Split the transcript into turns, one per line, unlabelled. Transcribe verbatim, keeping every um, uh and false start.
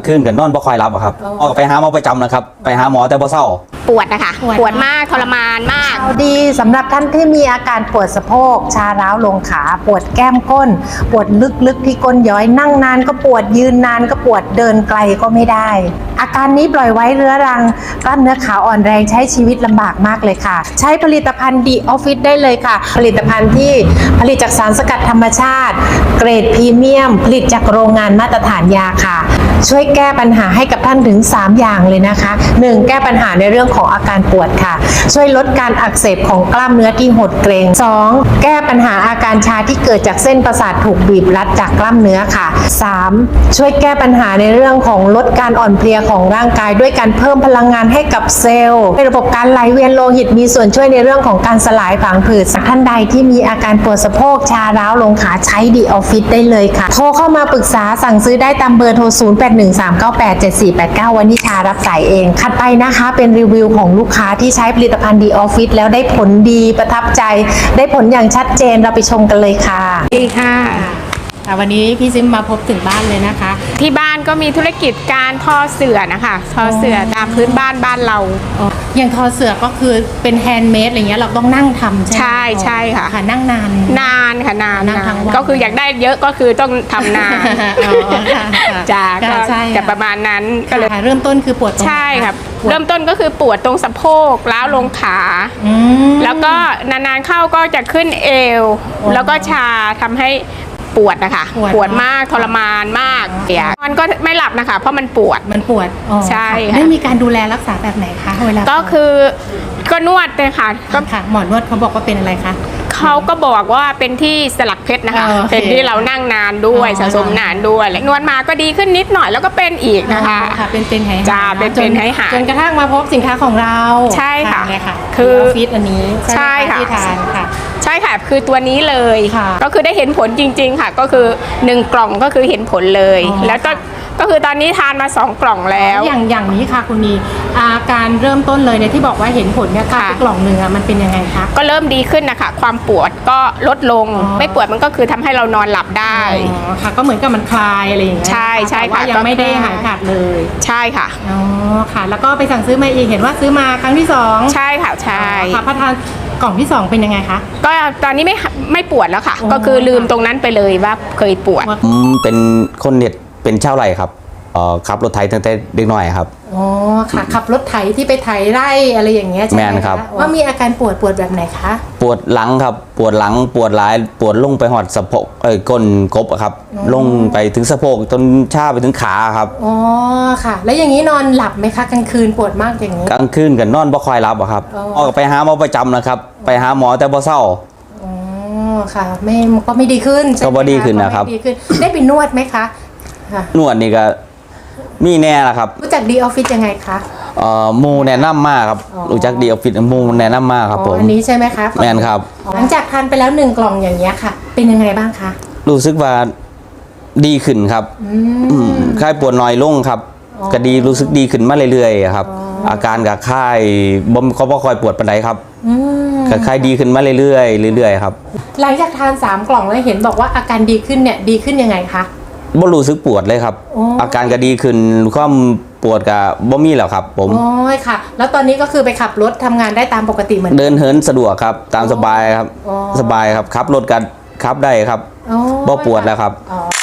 างคืนกับนอนบ่ค่อยหลับครับออกไปหาหมอประจำนะครับไปหาหมอแต่บ่เศร้า
ปวดนะคะปวดมากทรมานมาก
ดีสำหรับท่านที่มีอาการปวดสะโพกชาร้าวลงขาปวดแก้มก้นปวดลึกๆที่ก้นย้อยนั่งนานก็ปวดยืนนานก็ปวดเดินไกลก็ไม่ได้อาการนี้ปล่อยไว้เรื้อรังกล้ามเนื้อขาอ่อนแรงใช้ชีวิตลำบากมากเลยค่ะใช้ผลิตภัณฑ์ดีออฟฟิศได้เลยค่ะผลิตภัณฑ์ที่ผลิตจากสารสกัดธรรมชาติเกรดพรีเมียมผลิตจากโรงงานมาตรฐานยาค่ะช่วยแก้ปัญหาให้กับท่านถึงสามอย่างเลยนะคะหนึ่งแก้ปัญหาในเรื่องของอาการปวดค่ะช่วยลดการอักเสบของกล้ามเนื้อที่หดเกร็งสองแก้ปัญหาอาการชาที่เกิดจากเส้นประสาทถูกบีบรัดจากกล้ามเนื้อค่ะสามช่วยแก้ปัญหาในเรื่องของลดการอ่อนเพลียของร่างกายด้วยการเพิ่มพลังงานให้กับเซลล์ให้ระบบการไหลเวียนโลหิตมีส่วนช่วยในเรื่องของการสลายผังผืดท่านใดที่มีอาการปวดสะโพกชาร้าวลงขาใช้ดีออฟฟิศได้เลยค่ะโทรเข้ามาปรึกษาสั่งซื้อได้ตามเบอร์โทรศูนย์ แปด หนึ่ง สาม เก้า แปด เจ็ด สี่ แปด เก้าวันนิชารับสายเองถัดไปนะคะเป็นรีวิวของลูกค้าที่ใช้ผลิตภัณฑ์ดีออฟฟิศแล้วได้ผลดีประทับใจได้ผลอย่างชัดเจนเราไปชมกันเลยค่ะ
ดีค่ะ
วันนี้พี่ซิมมาพบถึงบ้านเลยนะคะ
ที่บ้านก็มีธุรกิจการทอเสื่อนะคะทอเสื่อตามพื้นบ้านบ้านเรา
อย่างทอเสื่อก็คือเป็นแฮนด์เมดอะไรเงี้ยเราต้องนั่งทำใช่ไหม
ใช่ใช่ค่ะ
ค่ะนั่งนาน
นานค่ะนาน
นั่งทั้งวัน
ก็คืออยากได้เยอะก็คือต้องทำนานจ้าก็จะประมาณนั้นก็เลย
เริ่มต้นคือปวด
ใช่ครับเริ่มต้นก็คือปวดตรงสะโพกล้าวลงขาแล้วก็นานๆเข้าก็จะขึ้นเอวแล้วก็ชาทำให้ปวดนะคะปวดมากทรมานมากเดี๋ยวมันก็ไม่หลับนะคะเพราะมันปวด
มันปวด
ใช่
ได้มีการดูแลรักษาแบบไหนคะเวลา
ก็คือก็นวดเลยค่ะ
ก็ค่ะหมอนวดเขาบอกว่าเป็นอะไรคะ
เขาก็บอกว่าเป็นที่สลักเพชรนะคะเป็นที่เรานั่งนานด้วยสะสมนานด้วยนวดมาก็ดีขึ้นนิดหน่อยแล้วก็เป็นอีกนะคะ
ค่ะเป็นเป็นหาย
จ้าเป็นเป็นหายหาย
จนกระทั่งมาพบสินค้าของเรา
ใช่ค่ะ
คือออฟฟิศอันนี้
ใช่ค่ะ
ที่ทานค่ะ
ใช่ค่ะคือตัวนี้เลยก็คือได้เห็นผลจริงๆค่ะก็คือหนึ่งกล่องก็คือเห็นผลเลยแล้วก็ก็คือตอนนี้ทานมาสองกล่องแล้ว
อย่างอย่างนี้ค่ะคุณนีอาการเริ่มต้นเลยเนี่ยที่บอกว่าเห็นผลเนี่ยค่ะกล่องหนึ่งอะมันเป็นยังไงคะ
ก็เริ่มดีขึ้นนะคะความปวดก็ลดลงไม่ปวดมันก็คือทำให้เรานอนหลับได้
ค่ะก็เหมือนกับมันคลายอะไรอย่างเงี้ย
ใช่ใช่
ค่ะยังไม่ได้หายขาดเลย
ใช่ค่ะ
อ๋อค่ะแล้วก็ไปสั่งซื้อมาอีกเห็นว่าซื้อมาครั้งที่สอง
ใช่ค่ะใช่
ค่ะพอทานกล่องที่สองเป็นยังไงคะ
ก็ตอนนี้ไม่ไม่ปวดแล้วค่ะก็คือลืมตรงนั้นไปเลยว่าเคยปวด
อืมเป็นคนเน็ตเป็นชาวไร่ครับเอ่อขับรถไถตั้งแต่เด็กน้อยครับ
อ๋อค่ะขับรถไถที่ไปไถไร่อะไรอย่างเงี้ยใช่ไหม
แม่นครับ
ว่ามีอาการปวดปวดแบบไหนคะ
ปวดหลังครับปวดหลังปวดหลายปวดลงไปหอดสะโพกเอ้ยก้นกบครับลงไปถึงสะโพกจนชาไปถึงขาครับ
อ๋อค่ะแล้วอย่างนี้นอนหลับไหมคะกลางคืนปวดมากอย่างนี้
กลางคืนกับนอนบ่ค่อยหลับครับออกไปหาหมอประจำนะครับไปหาหมอแต่บ่เศร้า
อ๋อค่ะไม่ก็ไม่ดีขึ้น
ก็บ่ดีขึ้นนะครับ
ได้ไปนวดไหมคะ
นวดนี่ก็มีแน่ละครับ
รู้จักดีออฟฟิศยังไงคะ
เอ่อมูแนะนำมากครับรู้จักดีออฟฟิศมูแนะนำมากครับผม
อันนี้ใช่ไหมคะ
แม่นครับ
หลังจากทานไปแล้วหนึ่งกล่องอย่างเงี้ยค่ะเป็นยังไงบ้างคะ
รู้สึกว่าดีขึ้นครับคลายปวดน้อยลงครับก็ดีรู้สึกดีขึ้นมาเรื่อยๆครับอาการกับคลายบ่เขาบ่ค่อยปวดปานใดครับก็คลายดีขึ้นมาเรื่อยๆเรื่อยๆครับ
หลังจากทานสามกล่องแล้วเห็นบอกว่าอาการดีขึ้นเนี่ยดีขึ้นยังไงคะ
บ่รู้สึกปวดเลยครับอาการก็ดีขึ้นความปวดก็บ่มีแล้วครับผม
อ๋อค่ะแล้วตอนนี้ก็คือไปขับรถทำงานได้ตามปกติเหมือน
เดินเหินสะดวกครับตามสบายครับสบายครับขับรถกันขับได้ครับบ่ปวดแล้วครับ